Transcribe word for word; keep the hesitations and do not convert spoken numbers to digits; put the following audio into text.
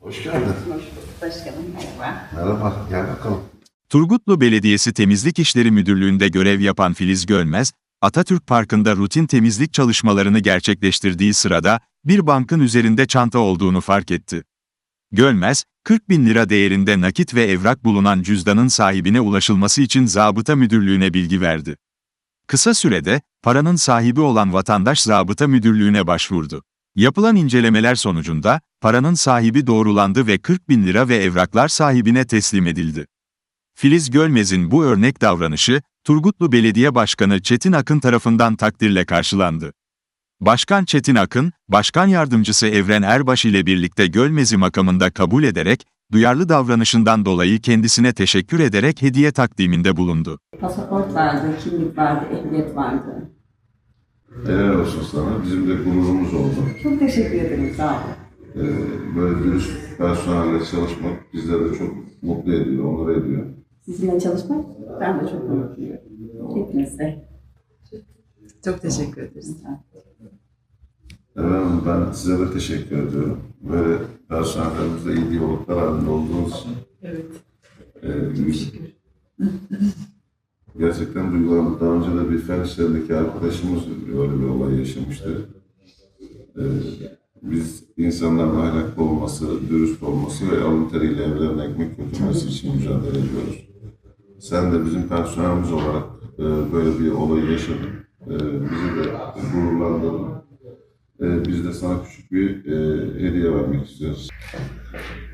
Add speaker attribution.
Speaker 1: Hoş geldin.
Speaker 2: Hoş bulduk başkanım, merhaba.
Speaker 1: Merhaba, gel bakalım.
Speaker 3: Turgutlu Belediyesi Temizlik İşleri Müdürlüğü'nde görev yapan Filiz Gölmez, Atatürk Parkı'nda rutin temizlik çalışmalarını gerçekleştirdiği sırada bir bankın üzerinde çanta olduğunu fark etti. Gölmez, kırk bin lira değerinde nakit ve evrak bulunan cüzdanın sahibine ulaşılması için Zabıta Müdürlüğü'ne bilgi verdi. Kısa sürede, paranın sahibi olan vatandaş Zabıta Müdürlüğü'ne başvurdu. Yapılan incelemeler sonucunda, paranın sahibi doğrulandı ve kırk bin lira ve evraklar sahibine teslim edildi. Filiz Gölmez'in bu örnek davranışı, Turgutlu Belediye Başkanı Çetin Akın tarafından takdirle karşılandı. Başkan Çetin Akın, Başkan Yardımcısı Evren Erbaş ile birlikte Gölmez'i makamında kabul ederek, duyarlı davranışından dolayı kendisine teşekkür ederek hediye takdiminde bulundu.
Speaker 2: Pasaport vardı, kimlik vardı, ehliyet vardı.
Speaker 1: Helal olsun sana. Bizim de gururumuz oldu.
Speaker 2: Çok teşekkür ederim, sağ olun.
Speaker 1: Ee, böyle dürüst personelle çalışmak bizleri de çok mutlu ediyor, onur ediyor.
Speaker 2: Sizinle çalışmak ben de çok mutluyum. Hepinize.
Speaker 4: Çok teşekkür ederiz.
Speaker 1: Efendim ben size de teşekkür ediyorum. Böyle personellerimizle iyi diyaloglar halinde olduğunuz için.
Speaker 4: Evet.
Speaker 1: E, biz gerçekten duygulandık. Daha önce de bir fen işlerindeki arkadaşımız öyle bir olay yaşamıştı. E, biz insanların ahlaklı olması, dürüst olması ve alın teriyle evlerine ekmek götürmesi için mücadele ediyoruz. Sen de bizim personelimiz olarak e, böyle bir olayı yaşadın. E, bizi de gururlandırdın. E, biz de sana küçük bir e, hediye vermek istiyoruz.